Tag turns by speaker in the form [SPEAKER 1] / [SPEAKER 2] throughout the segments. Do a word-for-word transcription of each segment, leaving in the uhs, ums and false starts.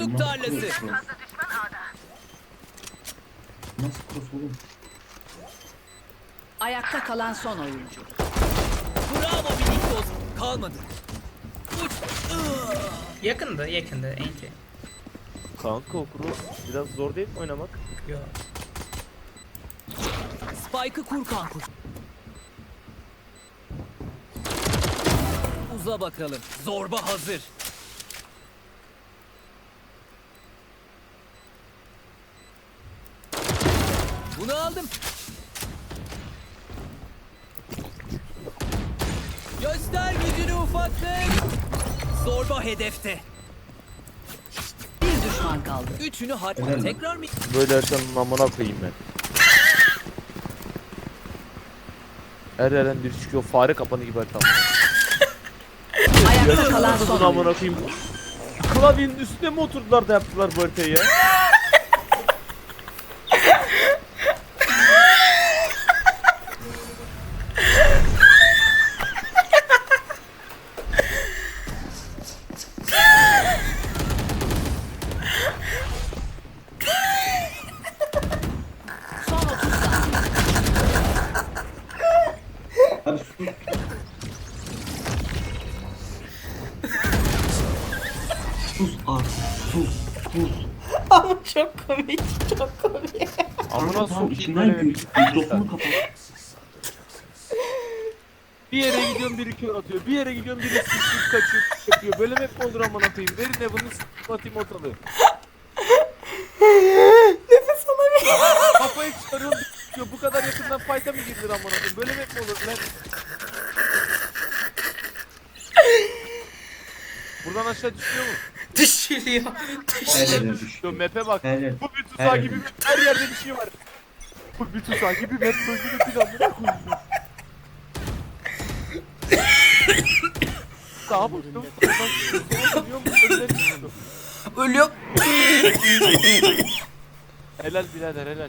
[SPEAKER 1] Hoduk tarlası.
[SPEAKER 2] Nasıl cross oğlum?
[SPEAKER 3] Ayakta kalan son oyuncu.
[SPEAKER 1] Bravo minik dost. Kalmadı. Uç.
[SPEAKER 4] Yakındı, yakındı. Enti.
[SPEAKER 5] Kanka o kuru biraz zor değil mi oynamak?
[SPEAKER 4] Yo.
[SPEAKER 1] Spike'ı kur kankuş. Uza bakalım. Zorba hazır. Bunu aldım. Göster gücünü ufaklık. Zorba hedefte.
[SPEAKER 3] Bir düşman kaldı.
[SPEAKER 1] Üçünü har...
[SPEAKER 2] Helal.
[SPEAKER 1] Tekrar mı?
[SPEAKER 5] Böyle Erkan'ın amına koyayım ben. Her yerden biri çıkıyor fare kapanı gibi Erkan.
[SPEAKER 3] Ayakta kalan son
[SPEAKER 5] Bunu amına
[SPEAKER 3] oyuncu.
[SPEAKER 5] koyayım. Klavyenin üstüne mi oturdular da yaptılar bu haritayı ya?
[SPEAKER 3] Son otuz saniye.
[SPEAKER 2] Abi sus. Sus artık. Sus. Sus.
[SPEAKER 4] Ama çok komik, çok komik.
[SPEAKER 5] Amına
[SPEAKER 2] Tamam,
[SPEAKER 5] sokayım
[SPEAKER 2] içinden
[SPEAKER 5] böyle
[SPEAKER 2] gül.
[SPEAKER 5] bir
[SPEAKER 2] Mikrofonu kapat.
[SPEAKER 5] Bir yere gidiyorum biri kör atıyor. Bir yere gidiyorum biri sıçrayıp kaçıyor yapıyor. Böyle hep mi olur amına koyayım? Verin ne bunu sıçrayıp atayım ortalığı.
[SPEAKER 4] Nefes alamıyorum.
[SPEAKER 5] Kafayı çıkarıyorum diyor. Bu kadar yakından fight'a mı girilir amına koyayım? Böyle hep mi olur lan? Buradan aşağı düşüyor mu?
[SPEAKER 4] Düşürüyor.
[SPEAKER 2] Her
[SPEAKER 4] Düşürüyor.
[SPEAKER 2] yerine düşüyor.
[SPEAKER 5] Yo map'e bak.
[SPEAKER 2] Her yer.
[SPEAKER 5] Bu bir
[SPEAKER 2] Her
[SPEAKER 5] tuzağı
[SPEAKER 2] yer.
[SPEAKER 5] gibi bir- her yerde bir şey var. Bu bir tuzağı gibi map bölümünü planına koyuyor. Sağa baktım. Oradan sola dönüyorum. Önüne düşüyorum.
[SPEAKER 4] Ölüyor.
[SPEAKER 5] Helal birader helal.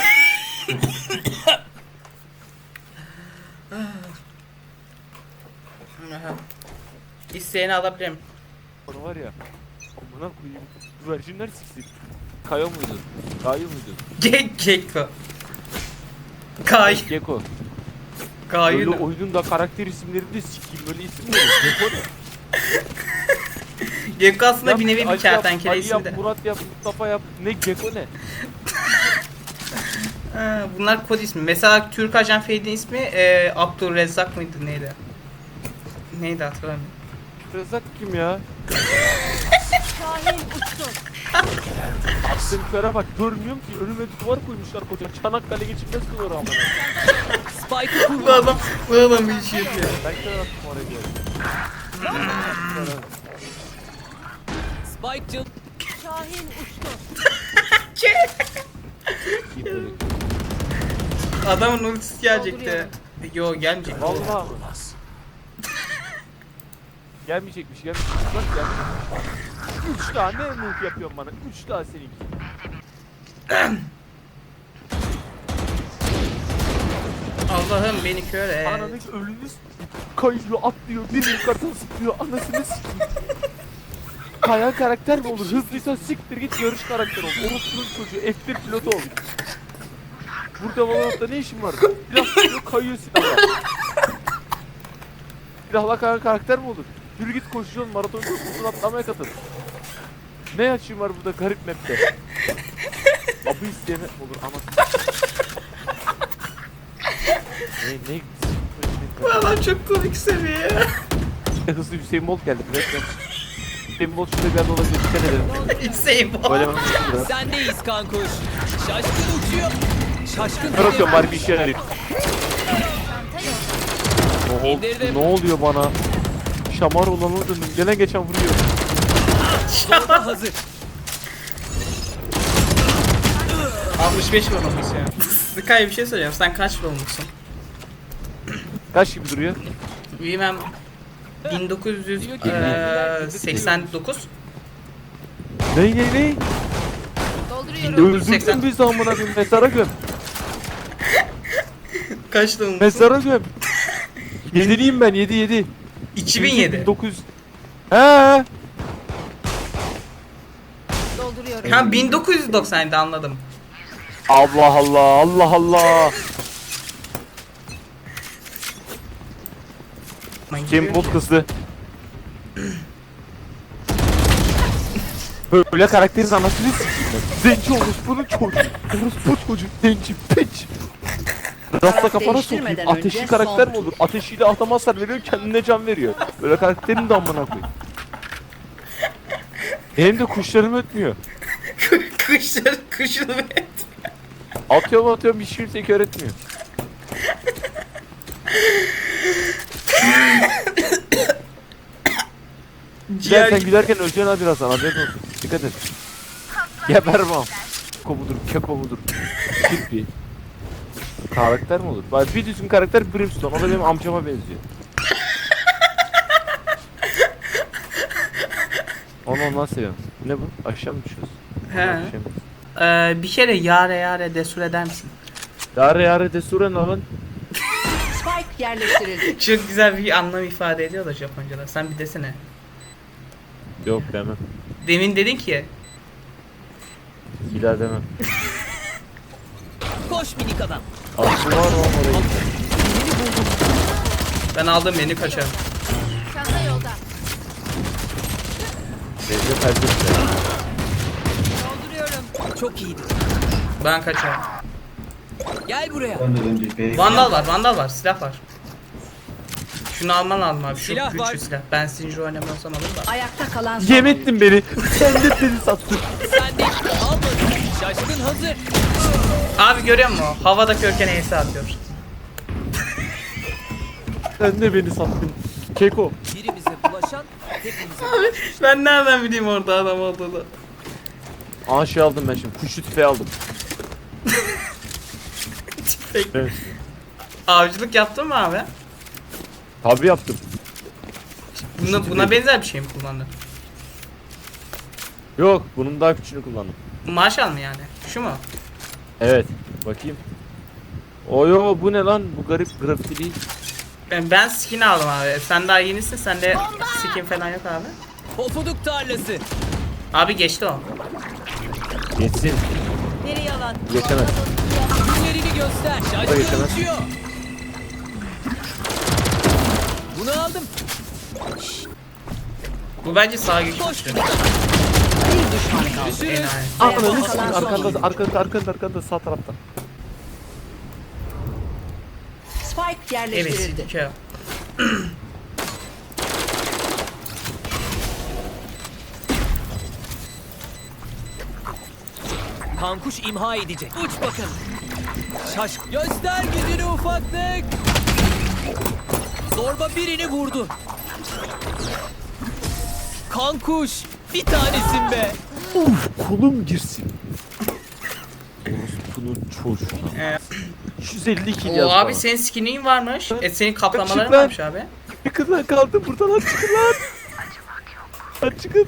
[SPEAKER 4] İsteyeni alabilirim.
[SPEAKER 5] Onu var ya. Amına koyayım. Güvercinler siksin. Kayo muydu? Kayo muydu?
[SPEAKER 4] Gek Gekko. Kay.
[SPEAKER 5] Gecko. Böyle
[SPEAKER 4] Kayın.
[SPEAKER 5] oyunun da karakter isimleri de sikeyim. Böyle isim mi olur? Gecko ne?
[SPEAKER 4] Gekko aslında
[SPEAKER 5] Yap,
[SPEAKER 4] bir nevi bir
[SPEAKER 5] Ali yap,
[SPEAKER 4] kertenkele
[SPEAKER 5] Ali
[SPEAKER 4] ismi
[SPEAKER 5] yap,
[SPEAKER 4] de.
[SPEAKER 5] Murat yap, Mustafa yap. Ne Gecko ne?
[SPEAKER 4] Ha, bunlar kod ismi. Mesela Türk Ajan Feydi'nin ismi e, Abdurrezzak mıydı neydi? Neydi hatırlamıyorum.
[SPEAKER 5] Rezak kim ya? Attığım köre bak görmüyorum ki önüme duvar koymuşlar koca Çanakkale geçilmez duvarı amına.
[SPEAKER 1] Spike'ı kur.
[SPEAKER 4] Bu adam, bu adam bir şey yapıyor.
[SPEAKER 5] Ben köre attım oraya diyorum.
[SPEAKER 1] Spike cıl.
[SPEAKER 4] Adamın ultisi gelecekti. Yo gelmeyecek.
[SPEAKER 5] Vallahi. Gelmeyecekmiş gelmeyecekmiş bak gelmeyecekmiş. Üç tane move yapıyorsun bana. Üç tane seninki.
[SPEAKER 4] Allah'ım beni kör et.
[SPEAKER 5] Ananın ölünü s- kayıyor atlıyor bir yukarıdan sıkıyor anasını sikeyim. Kayan karakter mi olur? Hızlıysa siktir git yarış karakter ol. Orospu'nun çocuğu F bir pilotu ol. Burada Valorant'ta ne işin var? Silah sıkıyor kayıyor silahla. Silahla kayan karakter mi olur? Yürü git koşuyorsun maraton koşuyorsun atlamaya katıl. Ne açığım var burada garip map'te? Abı isteyene olur ama. Ne ne
[SPEAKER 4] Bu adam çok komik seviyor.
[SPEAKER 5] hızlı Hüseyin Bolt geldi. Resmen. Hüseyin Bolt şurada bir yerde olabilir. Dikkat edelim.
[SPEAKER 4] Hüseyin bu.
[SPEAKER 5] Böyle ben biraz.
[SPEAKER 1] Sendeyiz kankuş. Şaşkın uçuyor. Şaşkın
[SPEAKER 5] Ben atıyorum bari bir işe yarayayım. Ne, oldu?
[SPEAKER 1] İndirdim.
[SPEAKER 5] Ne oluyor bana? Şamar olanı döndüm. Gelen geçen vuruyor.
[SPEAKER 1] Zorba hazır.
[SPEAKER 4] altmış beş vurulmuş ya. Sky bir şey söyleyeceğim. Sen kaç vurulmuşsun?
[SPEAKER 5] Kaç gibi duruyor?
[SPEAKER 4] Bilmem. bin dokuz yüz seksen dokuz.
[SPEAKER 5] Ne ne ne? Öldürdün bizi amına koyayım. Mezara göm.
[SPEAKER 4] Kaç vurulmuşsun?
[SPEAKER 5] Mezara göm. Yediliyim ben. Yedi yedi.
[SPEAKER 4] iki bin yedi.
[SPEAKER 5] bin dokuz yüz. He.
[SPEAKER 3] Dolduruyorum.
[SPEAKER 4] Ha bin dokuz yüz doksan yedi anladım.
[SPEAKER 5] Allah Allah Allah Allah. Kim bot hızlı. Böyle karakterin anasını s**tim. Zenci olmuş bunun çocuğu. Orospu çocuğu. Zenci piç. Rasta kafana sokayım.
[SPEAKER 3] değiştirmeden
[SPEAKER 5] Ateşli
[SPEAKER 3] önce
[SPEAKER 5] karakter
[SPEAKER 3] son
[SPEAKER 5] mi olur? Ateşiyle adama hasar veriyor, kendine can veriyor. Böyle karakterin de amına koyayım. Benim de kuşlarım ötmüyor.
[SPEAKER 4] Kışır kışır ve
[SPEAKER 5] Atıyorum atıyorum bir şey tek öğretmiyor. Güler sen gülerken öleceksin ha birazdan haberin olsun. Dikkat et. Gebermem. Keko mudur, keko mudur? Kirpi. Karakter mi olur? Bak bir düzgün karakter Brimstone. O da benim amcama benziyor. Onu ondan seviyorum. Ne bu? Aşağı mı düşüyoruz?
[SPEAKER 4] He.
[SPEAKER 5] Aşağı mı?
[SPEAKER 4] Ee, bir kere yare yare desur eder misin?
[SPEAKER 5] Yare yare desure ne lan?
[SPEAKER 3] Spike yerleştirildi.
[SPEAKER 4] Çok güzel bir anlam ifade ediyor da Japonca'da. Sen bir desene.
[SPEAKER 5] Yok demem.
[SPEAKER 4] Demin dedin ki.
[SPEAKER 5] Bir daha demem.
[SPEAKER 1] Koş minik adam.
[SPEAKER 5] Aslı var mı orayı?
[SPEAKER 4] Ben aldım beni kaçarım.
[SPEAKER 3] Çanta yolda.
[SPEAKER 5] Bence perde.
[SPEAKER 3] Dolduruyorum.
[SPEAKER 1] Çok iyiydi.
[SPEAKER 4] Ben kaçarım.
[SPEAKER 1] Gel buraya.
[SPEAKER 2] Ben de önce B'ye
[SPEAKER 4] Vandal var, vandal var, silah var. Şunu alman lazım abi. Şu
[SPEAKER 1] Silah
[SPEAKER 4] güçlü
[SPEAKER 1] var.
[SPEAKER 4] silah. Ben Sinjo oynamıyorsam alırım da.
[SPEAKER 3] Ayakta kalan son
[SPEAKER 5] Yem
[SPEAKER 3] oyuncu.
[SPEAKER 5] ettin beni. Sen de beni sattın.
[SPEAKER 1] Sen de almadın. Şaşkın hazır.
[SPEAKER 4] Abi görüyor musun? Havada körken E'si atıyor.
[SPEAKER 5] Sen de beni sattın. Keko.
[SPEAKER 1] Birimize bulaşan hepimize bulaşır.
[SPEAKER 4] Ben nereden bileyim orada adam olduğunu?
[SPEAKER 5] Aa şey aldım ben şimdi. Kuşlu tüfeği aldım. Evet.
[SPEAKER 4] Avcılık yaptın mı abi?
[SPEAKER 5] Tabii yaptım.
[SPEAKER 4] Buna, buna benzer bir şey mi kullandın?
[SPEAKER 5] Yok bunun daha küçüğünü kullandım.
[SPEAKER 4] Marshall mı yani? Şu mu?
[SPEAKER 5] Evet. Bakayım. Oyo bu ne lan? Bu garip grafiti değil.
[SPEAKER 4] Ben, ben skin aldım abi. Sen daha yenisin. Sende skin falan yok abi.
[SPEAKER 1] Pofuduk tarlası.
[SPEAKER 4] Abi geçti o.
[SPEAKER 5] Geçsin.
[SPEAKER 3] Biri yalan.
[SPEAKER 5] Geçemez.
[SPEAKER 1] Günlerini göster.
[SPEAKER 5] Hayır,
[SPEAKER 1] Şaşkın
[SPEAKER 5] geçemez.
[SPEAKER 1] uçuyor. Bunu aldım.
[SPEAKER 4] Bu bence sağ güç.
[SPEAKER 1] Koş.
[SPEAKER 3] Bir düşman kaldı.
[SPEAKER 1] Görüşürüz.
[SPEAKER 4] Enayi.
[SPEAKER 5] Ananı
[SPEAKER 3] Ayakta
[SPEAKER 5] sikeyim
[SPEAKER 3] kalan son
[SPEAKER 5] arkanda
[SPEAKER 3] oyuncu.
[SPEAKER 5] arkanda arkanda arkanda sağ tarafta.
[SPEAKER 3] Spike
[SPEAKER 4] Evet.
[SPEAKER 3] yerleştirildi.
[SPEAKER 4] Kö.
[SPEAKER 1] Kankuş imha edecek. Uç bakalım. Şaş. Göster gücünü ufaklık. Zorba birini vurdu. Kankuş. Bir tanesin be.
[SPEAKER 5] Kolum girsin. Orospunun çocuğuna.
[SPEAKER 4] Ee,
[SPEAKER 5] yüz elli kill
[SPEAKER 4] o
[SPEAKER 5] yaz
[SPEAKER 4] abi
[SPEAKER 5] bana.
[SPEAKER 4] senin skinin varmış. E senin kaplamaların
[SPEAKER 5] Çık lan.
[SPEAKER 4] varmış abi.
[SPEAKER 5] Çıkın lan kaldım buradan lan çıkın lan. Lan çıkın.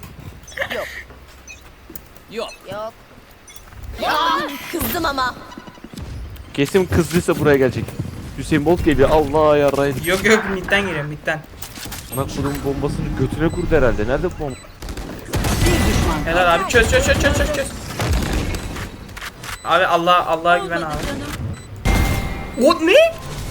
[SPEAKER 1] Yok.
[SPEAKER 3] Yok. Ya kızdım ama.
[SPEAKER 5] Kesin kızdıysa buraya gelecek. Hüseyin Bolt geliyor. Allah yarrayın.
[SPEAKER 4] Yok yok midden geliyorum midden.
[SPEAKER 5] Lan kurum bombasını götüne kurdu herhalde. Nerede bu bomba?
[SPEAKER 3] Bir düşman kaldı.
[SPEAKER 4] Helal abi çöz çöz çöz çöz çöz çöz. Abi Allah Allah'a güven abi. O ne?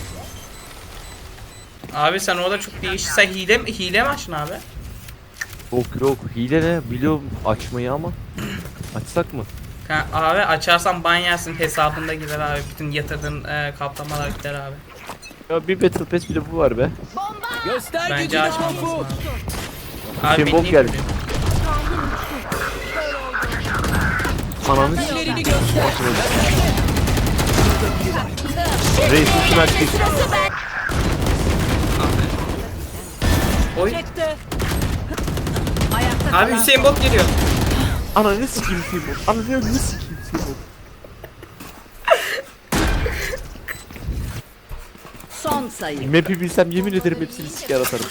[SPEAKER 4] Abi sen orada çok değişik. Sen hile mi hile mi açtın abi?
[SPEAKER 5] Yok yok hile ne? Biliyorum açmayı ama. Açsak mı?
[SPEAKER 4] Ha, abi açarsan ban yersin hesabında gider abi. Bütün yatırdığın e, kaplamalar gider abi.
[SPEAKER 5] Ya bir Battle Pass bile bu var be.
[SPEAKER 1] Göster
[SPEAKER 4] Bence
[SPEAKER 1] gücünü
[SPEAKER 4] açmamalısın
[SPEAKER 1] Kankuş.
[SPEAKER 4] abi. Abi
[SPEAKER 5] Hüseyin Bolt
[SPEAKER 4] beni
[SPEAKER 5] geldi.
[SPEAKER 4] niye
[SPEAKER 5] Ananı
[SPEAKER 1] Günlerini göster.
[SPEAKER 5] Reis üstüne açtık.
[SPEAKER 4] Oy.
[SPEAKER 3] Çekti. Ayakta
[SPEAKER 4] Abi
[SPEAKER 3] kalan
[SPEAKER 4] Hüseyin Bolt geliyor.
[SPEAKER 5] Ananı sikeyim Hüseyin Bolt. Ananı sikeyim Hüseyin Bolt.
[SPEAKER 3] son sayı.
[SPEAKER 5] Map'i bilsem yemin ederim hepsini siker atarım.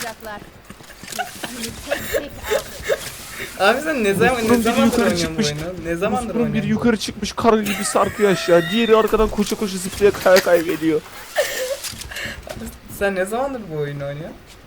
[SPEAKER 4] Abi sen ne zaman ne
[SPEAKER 5] Osman biri
[SPEAKER 4] zamandır
[SPEAKER 5] yukarı
[SPEAKER 4] oynuyorsun bu
[SPEAKER 5] çıkmış.
[SPEAKER 4] oyunu? Ne zamandır
[SPEAKER 5] Osman biri
[SPEAKER 4] oynuyorsun?
[SPEAKER 5] yukarı çıkmış karı gibi sarkıyor aşağı. Diğeri arkadan koşa koşa zıplaya kaya kaya geliyor.
[SPEAKER 4] Sen ne zamandır bu oyunu oynuyorsun?